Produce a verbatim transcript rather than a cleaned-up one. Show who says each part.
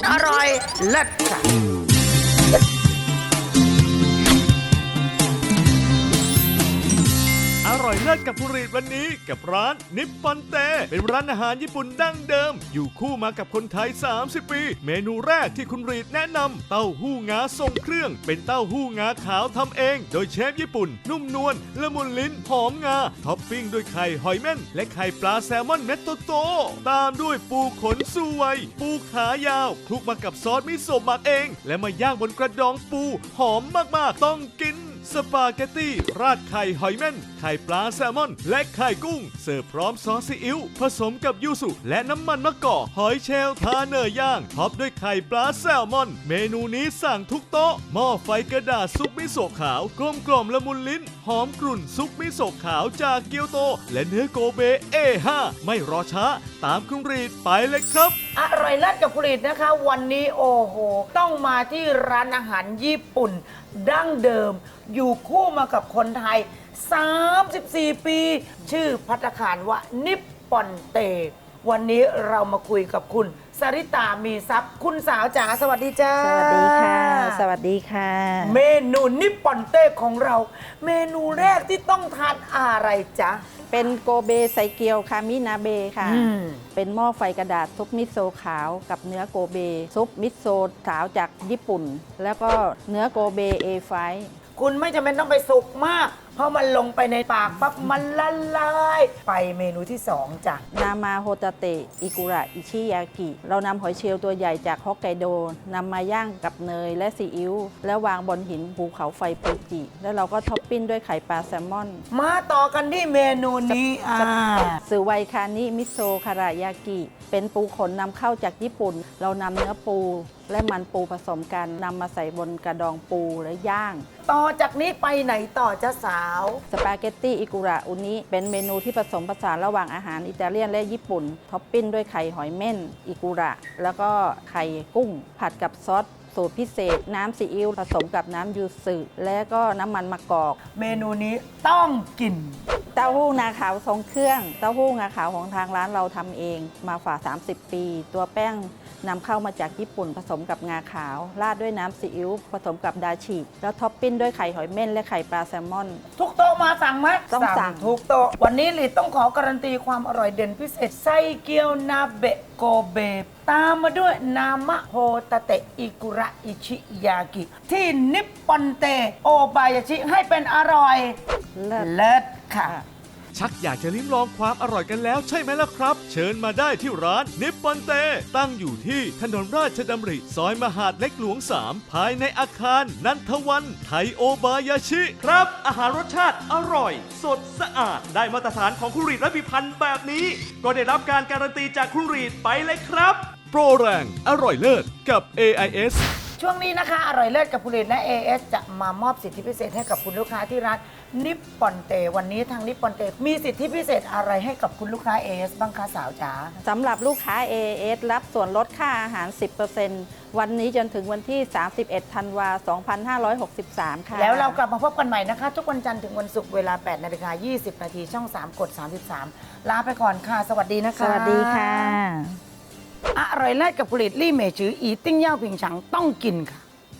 Speaker 1: อร่อยเลิศค่ะ
Speaker 2: อร่อยเลิศกับผู้รีดวันนี้กับร้านนิปปอนเตเป็นร้านอาหารญี่ปุ่นดั้งเดิมอยู่คู่มากับคนไทยสามสิบปีเมนูแรกที่คุณรีดแนะนำเต้าหู้งาทรงเครื่องเป็นเต้าหู้งาขาวทำเองโดยเชฟญี่ปุ่นนุ่มนวลละมุนลิ้นหอมงาท็อปปิ้งด้วยไข่หอยเม่นและไข่ปลาแซลมอนเม็ดโตๆตามด้วยปูขนสุไวปูขายาวคลุกมากับซอสมิโซะหมักเองและมาย่างบนกระดองปูหอมมากๆต้องกินสปาเกตตี้ราดไข่หอยเม่นไข่ปลาแซลมอนและไข่กุ้งเสิร์ฟพร้อมซอสซีอิ๊วผสมกับยูสุและน้ำมันมะกอกหอยเชลล์ทาเนยย่างท็อปด้วยไข่ปลาแซลมอนเมนูนี้สั่งทุกโต๊ะหม้อไฟกระดาษซุปมิโซะขาวกลมกล่อมละมุนลิ้นหอมกรุ่นซุปมิโซะขาวจากเกียวโตและเนื้อโกเบ เอ ห้า ไม่รอช้าตามคุณรีดไปเลยครับ
Speaker 1: อร่อยเลิศกับผลิตนะคะวันนี้โอ้โหต้องมาที่ร้านอาหารญี่ปุ่นดั้งเดิมอยู่คู่มากับคนไทยสามสิบสี่ปีชื่อภัตตาคารว่านิปปอนเตวันนี้เรามาคุยกับคุณสริตามีทรัพย์คุณสาวจ๋าสวัสดีจ้า
Speaker 3: สวัสดีค่ะสวัสดีค่ะ
Speaker 1: เมนูนิปปอนเตของเราเมนูแรกที่ต้องทานอะไรจ๊ะ
Speaker 3: เป็นโกเบไซเกียวคามินาเบค่ะเป็นหม้อไฟกระดาษซุปมิโซะขาวกับเนื้อโกเบซุปมิโซะขาวจากญี่ปุ่นแล้วก็เนื้อโกเบ เอ ไฟว์
Speaker 1: คุณไม่จำเป็นต้องไปสุกมากเพราะมันลงไปในปากปั๊บมันละลายไปเมนูที่สองจ้ะ
Speaker 3: นามาโฮตาเตะอิกุระอิชิยากิเรานำหอยเชลล์ตัวใหญ่จากฮอกไกโดนำมาย่างกับเนยและซีอิ๊วแล้ววางบนหินภูเขาไฟฟูจิแล้วเราก็ท็อปปิ้งด้วยไข่ปลาแซลมอน
Speaker 1: มาต่อกันที่เมนูนี้อ่า
Speaker 3: สือไวคานิมิโซคารายากิเป็นปูขนนำเข้าจากญี่ปุ่นเรานำเนื้อปูและมันปูผสมกันนำมาใส่บนกระดองปูและย่าง
Speaker 1: ต่อจากนี้ไปไหนต่อจ้าสาว
Speaker 3: สปาเกตตี้อิกุระอุนิเป็นเมนูที่ผสมผสานระหว่างอาหารอิตาเลียนและญี่ปุ่นท็อปปิ้งด้วยไข่หอยเม่นอิกุระแล้วก็ไข่กุ้งผัดกับซอสสูตรพิเศษน้ำซีอิ๊วผสมกับน้ำยูสึและก็น้ำมันมะกอก
Speaker 1: เมนูนี้ต้องกิน
Speaker 3: เต้าหู้งาขาวทรงเครื่องเต้าหู้งาขาวของทางร้านเราทำเองมาฝ่าสามสิบปีตัวแป้งนำเข้ามาจากญี่ปุ่นผสมกับงาขาวราดด้วยน้ำซีอิ๊วผสมกับดาชิแล้วท็อปปิ้งด้วยไข่หอยเม่นและไข่ปลาแซลมอน
Speaker 1: ทุกโต๊ะมาสั่งไหม
Speaker 3: ต้องสั่ง
Speaker 1: ทุกโต๊ะวันนี้ลิต้องขอการันตีความอร่อยเด่นพิเศษไส้เกี๊ยวนาเบะโกเบตามมาด้วยนามะโฮตาเตะอิกุระอิชิยากิที่นิปปอนเตโอบายาชิให้เป็นอร่อยเลิศค่ะ
Speaker 2: ชักอยากจะลิ้มลองความอร่อยกันแล้วใช่ไหมล่ะครับเชิญมาได้ที่ร้านนิปปอนเตตั้งอยู่ที่ถนนราชดำริซอยมหาดเล็กหลวงสามภายในอาคารนันทวันไทโอบายาชิครับอาหารรสชาติอร่อยสดสะอาดได้มาตรฐานของคุณรีดและพิพันธ์แบบนี้ก็ได้รับการการันตีจากคุณรีดไปเลยครับโปรแรงอร่อยเลิศกับ เอ ไอ เอส
Speaker 1: ช่วงนี้นะคะอร่อยเลิศกับผลิตและ เอ เอส จะมามอบสิทธิพิเศษให้กับคุณลูกค้าที่ร้านนิปปอนเตวันนี้ทางนิปปอนเตมีสิทธิพิเศษอะไรให้กับคุณลูกค้า เอ เอส บ้างคะสาวจ๋า
Speaker 3: สำหรับลูกค้า เอ เอส รับส่วนลดค่าอาหาร สิบเปอร์เซ็นต์ วันนี้จนถึงวันที่ สามสิบเอ็ด ธันวาคม สองพันห้าร้อยหกสิบสาม ค่ะ
Speaker 1: แล้วเรากลับมาพบกันใหม่นะคะทุกวันจันทร์ถึงวันศุกร์เวลา แปดนาฬิกายี่สิบนาทีช่องสามกดสามสิบสามลาไปก่อนค่ะสวัสดีนะคะ
Speaker 3: สวัสดีค่ะ
Speaker 1: อร่อยเลิศกับผลิตลี่เมจืออีติ้งเย่าผิงฉังต้องกินค่ะ